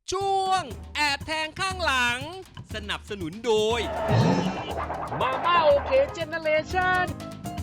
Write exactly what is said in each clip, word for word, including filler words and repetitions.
ช่วงแอบแทงข้างหลังสนับสนุนโดยมาม่าโอเคเจเนเรชั่น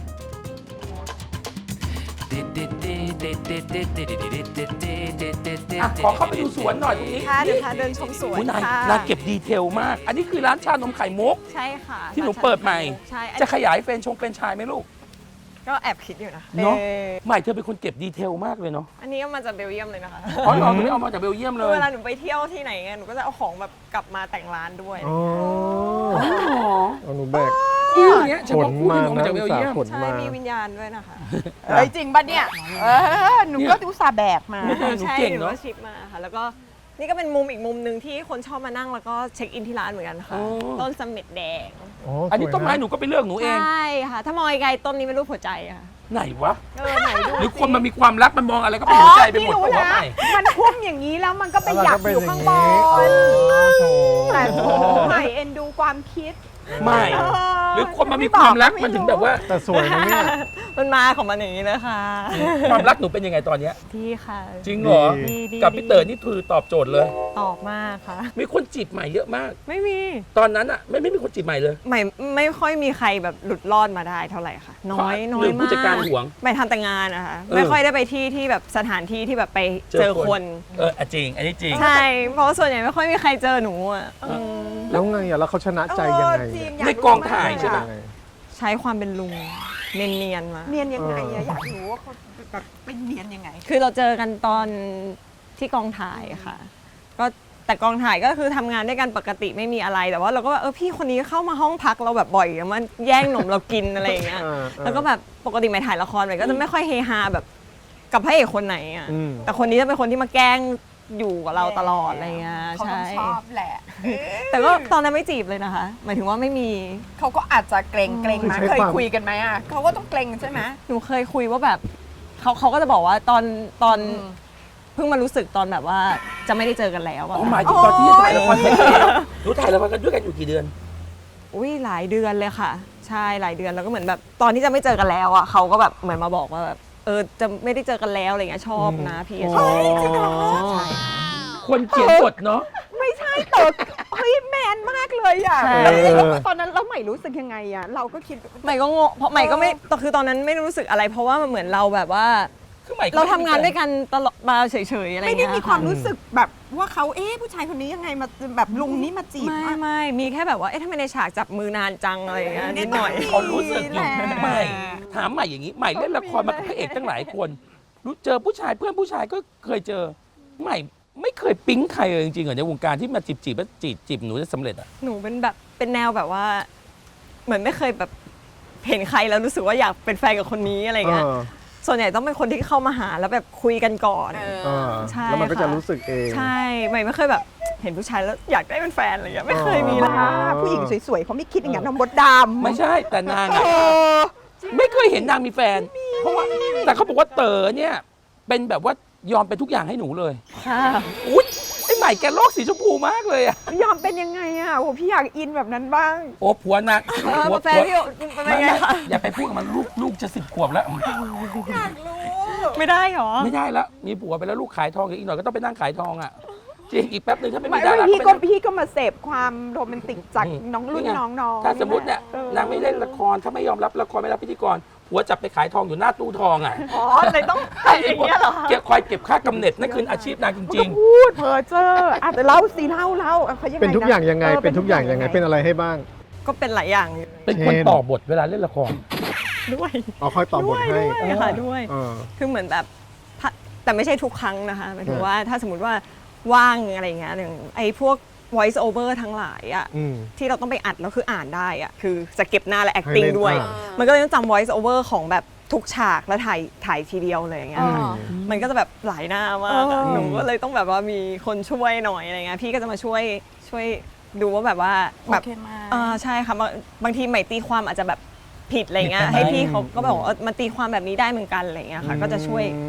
ขอเข้าไปดูสวนหน่อยตรงนี้ค่ะเดี๋ยวพาเดินชมสวนคุณนายค่ะนายเก็บดีเทลมาก อันนี้คือร้านชานมไข่มุกใช่ค่ะที่หนูเปิดใหม่ใช่อันจะขยายเฟรนชงเป็นชายไหมลูกก็แอบคิดอยู่นะเนาะออใหม่เธอเป็นคนเก็บดีเทลมากเลยเนาะอันนี้ก็มาจากเบลเยียมเลยนะคะอ๋อเหรอไม่เอามาจากเบลเยียมเลยเวลาหนูไปเที่ยวที่ไหนไงหนูก็จะเอาของแบบกลับมาแต่งร้านด้วยอ๋ออ๋อเอาหนูแบกคู่เนี้ยเฉขพาะนคู่มาที่เอามานะจากเบลเยียมขนใช่มามีวิญญาณด้วยนะคะเฮ้ยจริงปะเนี่ย เออ หนูก็อุตส่าห์แบกมาหนูใช่เก่งหนูเนาะก็ชิปมาค่ะ แล้วก็นี่ก็เป็นมุมอีกมุมหนึ่งที่คนชอบมานั่งแล้วก็เช็คอินที่ร้านเหมือนกันค่ะอ๋อต้นเสม็ดแดงอันนี้ต้นไม้หนูก็ไปเลือกหนูเองใช่ค่ะ ถ้ามองไกลๆต้นนี้เป็นรูปหัวใจอะค่ะไหนวะเออไหนดูหรือสิคนมันมีความรักมันมองอะไรก็เป็นหัวใจไปหมดอ๋อตัวพี่รู้ใหม่มันพุ่มอย่างนี้แล้วมันก็ไปหยับอยู่ข้างบนอ๋อโถแต่โถใหม่เอ็นดูความคิดไม่เออหรือคนมันมีความรักมันถึงแบบว่าแต่สวยนะเนี่ยมันมาของมันอย่างนี้เลยค่ะความรักหนูเป็นยังไงตอนเนี้ยดีค่ะจริงเหรอดีดีกับพี่เต๋อนี่คือตอบโจทย์เลยตอบมากค่ะมีคนจีบใหม่เยอะมากไม่มีตอนนั้นอะไม่ไม่มีคนจีบใหม่เลยไม่ไม่ค่อยมีใครแบบหลุดรอดมาได้เท่าไหร่ค่ะ น้อยเพราะน้อหรืยอผู้มากจัดการหวงไปทำแต่งานนะคะเออไม่ค่อยได้ไปที่ที่แบบสถานที่ที่แบบไปเจอคนเอออ่ะจริง อันนี้จริงใช่ เพราะว่าส่วนใหญ่ไม่ค่อยมีใครเจอหนูอ่ะอืมแล้วไงอ่ะแล้วเขาชนะใจยังไงเออจริงเนี่ยในกองถ่ายใช่ไหมยังไงใช้ความเป็นลุงเนียนๆมาเนียนยังไงอะอยากรู้ว่าเขาแบบเป็นเนียนยังไงคือเราเจอกันตอนที่กองถ่ายค่ะ ก็แต่กองถ่ายก็คือทำงานด้วยกันปกติไม่มีอะไรแต่ว่าเราก็แบบเออพี่คนนี้เข้ามาห้องพักเราแบบบ่อยอะมันแย่งหนมเรากินอะไรอย่างเงี้ยอ่าแล้วก็แบบปกติไม่ถ่ายละครไปก็จะไม่ค่อยเฮฮาแบบกับพระเอกคนไหนอ่ะอืมแต่คนนี้จะเป็นคนที่มาแกล้งอยู่กับเราตลอดอะไรเงี้ยเขาต้ใช่องชอบแหละแต่ก็ตอนนั้นไม่จีบเลยนะคะ หมายถึงว่าไม่มีเขาก็อาจจะเกรงเกรงคือมาใช้เคยความคุยกันไหมอ่ะเขาก็ต้องเกรงใช่ไหมหนูเคยคุยว่าแบบเขาเขาก็จะบอกว่าตอนตอนอืมเพิ่งมารู้สึกตอนแบบว่าจะไม่ได้เจอกันแล้วอะอ๋อหมายถึงตอนที่ถ่ายละครเสร็จแล้วหนูถ่ายละครกันด้วยกันอยู่กี่เดือนอุ้ยหลายเดือนเลยค่ะ ใช่หลายเดือนแล้วก็เหมือนแบบตอนที่จะไม่เจอกันแล้วอ่ะเขาก็แบบเหมือนมาบอกว่าแบบเออจะไม่ได้เจอกันแล้วอะไรเงี้ยชอบนะพี่อ๋อชอบใช่คนเขียนบทเนาะไม่ใช่เติร์เฮ้ยแมนมากเลยอ่ะใช่แล้วตอนนั้นเราใหม่รู้สึกยังไงอ่ะเราก็คิดใหม่ก็งงเพราะใหม่ก็ไม่แต่คือตอนนั้นไม่รู้สึกอะไร เพราะว่ามันเหมือนเราแบบว่าคือใหม่ก็เราทำงานด้วยกันตลอดมาเฉยๆอะไรไม่เงี้ยได้มีความรู้สึกแบบว่าเขาเอ๊ะผู้ชายคนนี้ยังไงมาแบบลุงนี้มาจีบไม่อะไม่มีแค่แบบว่าเอ๊ะทำไมในฉากจับมือนานจังอะไรอย่างเงี้ยนิดหน่อยเขารู้สึกอยู่แหละใหม่ถามใหม่อย่างนี้ใหม่เล่นละครมากับพระเอกตั้งหลายคนรู้เจอผู้ชายเพื่อนผู้ชายก็เคยเจอใหม่ไม่เคยปิ๊งใครเลยจริงๆเหรอในวงการที่มาจีบจีบแล้วจีบจีบหนูจะสำเร็จอ่ะหนูเป็นแบบเป็นแนวแบบว่า เหมือนไม่เคยแบบเห็นใครแล้วรู้สึกว่าอยากเป็นแฟนกับคนนี้อะไรเงี้ยเออส่วนใหญ่ต้องเป็นคนที่เข้ามาหาแล้วแบบคุยกันก่อนเออเออใช่แล้วมันก็จะค่ะรู้สึกเองใช่ใหม่ไม่เคยแบบเห็นผู้ชายแล้วอยากได้เป็นแฟนอะไรเงี้ยไม่เคยมีเลยอ่าผู้หญิงสวยๆเขาไม่คิดอย่างนั้นนะมดดำไม่ใช่แต่นางเออะอไม่เคยเห็นนางมีแฟน เพราะว่าแต่เขาบอกว่าเต๋อเนี่ย เป็นแบบว่ายอมเป็นทุกอย่างให้หนูเลยค่ะอุ๊ยไอ้ใหม่แกโลกสีชมพูมากเลยอะยอมเป็นยังไงอ่ะโอ้พี่อยากอินแบบนั้นบ้างโอ้ผัวนางเออผัวแฟนพี่เป็นไม่ไงไม่คะอย่าไปพูดกับมันลูกลูกจะสิบขวบแล้วอยากรู้ไม่ได้หรอไม่ได้แล้ว มีผัวไปแล้วลูกขายทองอีกหน่อยก็ต้องไปนั่งขายทองอ่ะ จริงอีกแป๊บหนึ่งถ้าไม่ไม่มีดาราพี่ก็ก็ไปนั่งพี่ก็มาเสพความโรแมนติกจากอืมน้องรุ่นนี่ไงน้องๆถ้าสมมติเนี่ยออนางไม่เล่นละครถ้าไม่ยอมรับละครไม่รับพิธีกรผัวจับไปขายทองอยู่หน้าตู้ทองอ่ะอ๋อเลยต้องทำอย่างเงี้ยเหรอเก็บคอยเก็บค่ากำเนิดนั่นคืออาชีพนางจมันริก็งพูดเพ้อเจ้ออ่ะแต่เล่าสิเล่าเล่าอ่ะเขายังไงเป็นทุกอย่างยังไงออเป็นทุกอย่างยังไง เป็นอะไรให้บ้างก็เป็นหลายอย่างอยู่ๆ เป็นคนต่อบทเวลาเล่นละครด้วยเอาค่อยตอบบทให้ด้วยค่ะด้วยเออคือเหมือนแบบถ้าแต่ไม่ใช่ทุกครั้งนะคะหมายถึงอืมว่าถ้าสมมติว่าว่างอะไรอย่างเงี้ยอย่างไอ้พวก voice over ทั้งหลายอ่ะอืมที่เราต้องไปอัดแล้วคืออ่านได้อ่ะคือจะเก็บหน้าและให้ acting เล่นด้วยอ่ามันก็เลยต้องจำ voice over ของแบบทุกฉากแล้วถ่ายถ่ายทีเดียวเลยอย่างเงี้ยอ๋อค่ะมันก็จะแบบหลายหน้ามากอะเออหนูก็เลยต้องแบบว่ามีคนช่วยหน่อยอะไรเงี้ยพี่ก็จะมาช่วยช่วยดูว่าแบบว่าแบบโอเคมากอ่าใช่ค่ะบางบางทีใหม่ตีความอาจจะแบบผิดอะไรเงี้ยผิดไปไหมให้พี่เขาก็บอกว่าเออมันตีความแบบนี้ได้เหมือนกันอะไรเงี้ยค่ะก็จะช่วยอืม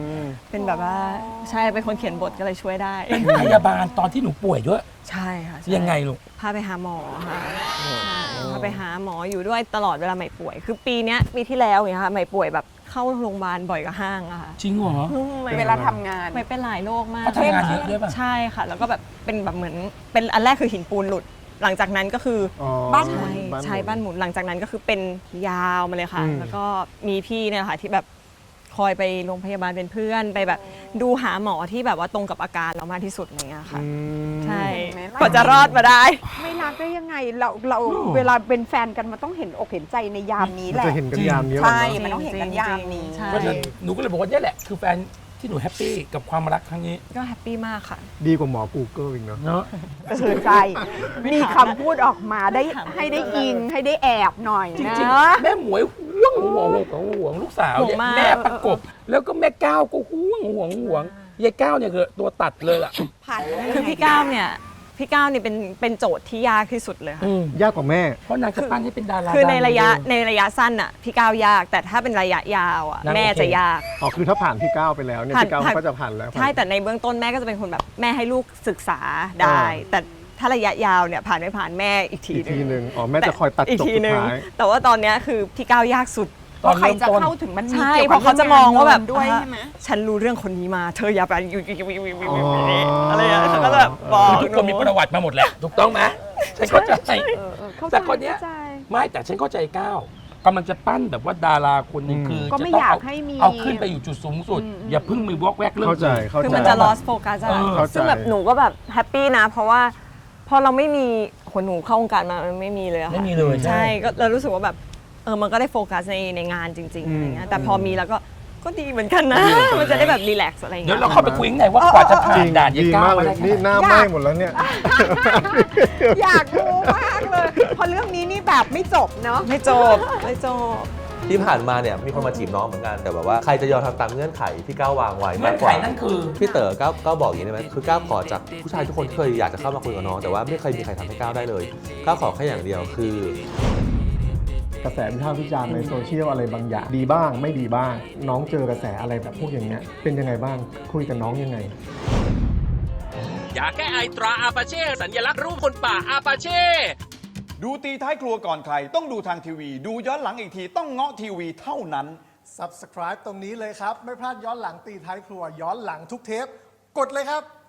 เป็นแบบว่าใช่เป็นคนเขียนบทก็เลยช่วยได้เป็นพยาบาลตอนที่หนูป่วยด้วยใช่ค่ะใช่ยังไงลูกพาไปหาหมอค่ะใช่พาไปหาหมออยู่ด้วยตลอดเวลาใหม่ป่วย คือปีเนี้ยปีที่แล้วเนี่ยค่ะใหม่ป่วยแบบเข้าโรงพยาบาลบ่อยกว่าห้างอะค่ะจริงเหรอเวลาทำงานไม่เป็นหลายโรคมากเขาทำงานเยอะด้วยป่ะใช่ค่ะ แล้วก็แบบเป็นแบบเหมือนเป็นอันแรกคือหินปูนหลุด หลังจากนั้นก็คืออ๋อบ้านใช่ใช่บ้านหมุนหลังจากนั้นก็คือเป็นยาวมาเลยค่ะอืมแล้วก็มีพี่เนี่ยค่ะที่แบบคอยไปโรงพยาบาลเป็นเพื่อนไปแบบดูหาหมอที่แบบว่าตรงกับอาการเรามากที่สุดอะไรเงี้ยค่ะอืมใช่เห็นไหมกว่าจะรอดมาได้ไม่รักได้ยังไงเราเราเวลาเป็นแฟนกันมันต้องเห็นอกเห็นใจในยามนี้มันแหละจะเห็นกันยามนี้แหละใช่เนอะมันต้องเห็นกันยามนี้ใช่เพราะฉะนั้นหนูก็เลยบอกว่าเนี่ยแหละคือแฟนที่หนูแฮปปี้กับความรักครั้งนี้ก็แฮปปี้มากค่ะดีกว่าหมอ Google อีกเนาะเนาะก็คือใจมีคำพูดออกมาได้ให้ได้อิงให้ได้แอบหน่อยจนะริงๆแม่หมวยห่วงห่วงห่วงห่วงลูกสาวเนี่ยห่วงมากแม่ประกบ แล้วก็แม่ก้าวก็ห่วงห่วงห่วงยายก้าวเนี่ยคือตัวตัดเลยล่ะผ่านมาได้คือยังไงพี่ก้าวเนี่ยพี่ก้าวเนี่ยเป็นเป็นโจทย์ที่ยากที่สุดเลยค่ะอืมยากกว่าแม่เพราะนางจะปั้นให้เป็นดาราคือในระยะดังในระยะสั้นอ่ะพี่ก้าวยาก แต่ถ้าเป็นระยะยาวอ่ะนางแม่โอเคจะยากอ๋อ คือถ้าผ่านพี่ก้าวไปแล้วเนี่ยผ่านพี่ก้าวผ่านก็จะผ่านแล้วใช่แต่ในเบื้องต้นแม่ก็จะเป็นคนแบบแม่ให้ลูกศึกษาได้ แต่ถ้าระยะยาวเนี่ยผ่านไม่ผ่านแม่อีกทีอีกหนึทีงหนึ่งอ๋อ แม่จะคอยตัดอีกจบทีสุดหนึงท้ายแต่ว่าตอนเนี้ยคือพี่ก้าวยากสุดตอนใครเริ่มจะต้นเข้าถึงมันมีใช่เกี่ยวเพกับราะเขาจะมองว่าแบบด้วยอ่าใช่ไหมฉันรู้เรื่องคนนี้มาเธออย่าไปอยู่อยู่อยู่อยู่อยู่อ๋ออะไรอย่างเงี้ยเขาก็จะแบบบอกคือทุกคนมีประวัติมาหมดแหละ ถูกต้องไหมฉันเข้าใจเออเออเข้าใจแต่คนเนี้ยเข้าใจไม่แต่ฉันเข้าใจก้าวกำลังจะปั้นแบบว่าดาราคนหนึ่งอืมคือก็จะไม่ต้องอยากเอาให้มีเอาขึ้นไปอยู่จุดสูงสุดอืมอย่าเพิ่งมีวอกแวกเรื่องเข้าใจอื่นเข้าใจคือมันจะ lost focus อะเออเข้าใจซึ่งแบบหนูก็แบบแฮปปี้นะ เพราะว่าพอเราไม่มีคนหนูเข้าวงการมามันไม่มีเลยอะค่ะไม่มีเลยใช่ก็เรารู้สึกว่าแบบเออมันก็ได้โฟกัสในในงานจริงๆอะไรเงี้ยแต่พอมีแล้วก็ก็ดีเหมือนกันนะ มันจะได้แบบรีแลกซ์อะไรเดี๋ยวเงี้ยเราเข้าไปคุยข้างในว่ากว่าจะผ่าจนริงด่านยายดีก้ามากวเลมาย ได้นี่ขหนาดน้าไหม้หมดแล้วเนี่ยอยากรู้มากเลยเพราะเรื่องนี้นี่แบบไม่จบเนาะไม่จบไม่จบที่ผ่านมาเนี่ยมีคนมาจีบน้องเหมือนกันแต่แบบว่าใครจะยอมทำตามเงื่อนไขที่ก้าววางไว้เงื่มาอก นกไขว่านั่นคือพี่เต๋อก้าวก้าวบอกอย่างนี้ได้ไหมคือก้าวขอจากผู้ชายทุกคนที่เคยอยากจะเข้ามาคุยกับน้องแต่ว่าไม่เคยมีใครทำให้ก้าวได้เลยก้าวขอแค่อย่างเดียวคือกระแสวิพากษ์วิจารณ์ในโซเชียลอะไรบางอย่างดีบ้างไม่ดีบ้าง น้องเจอกระแสอะไรแบบพวกอย่างเงี้ยเป็นยังไงบ้างคุยกับน้องยังไงยาแก้ไอตราอาปาเช่ สัญลักษณ์รูปคนป่าอาปาเช่ดูตีท้ายครัวก่อนใคร ต้องดูทางทีวี ดูย้อนหลังอีกทีต้องเงาะทีวีเท่านั้น Subscribe ตรงนี้เลยครับ ไม่พลาดย้อนหลังตีท้ายครัวย้อนหลังทุกเทป กดเลยครับ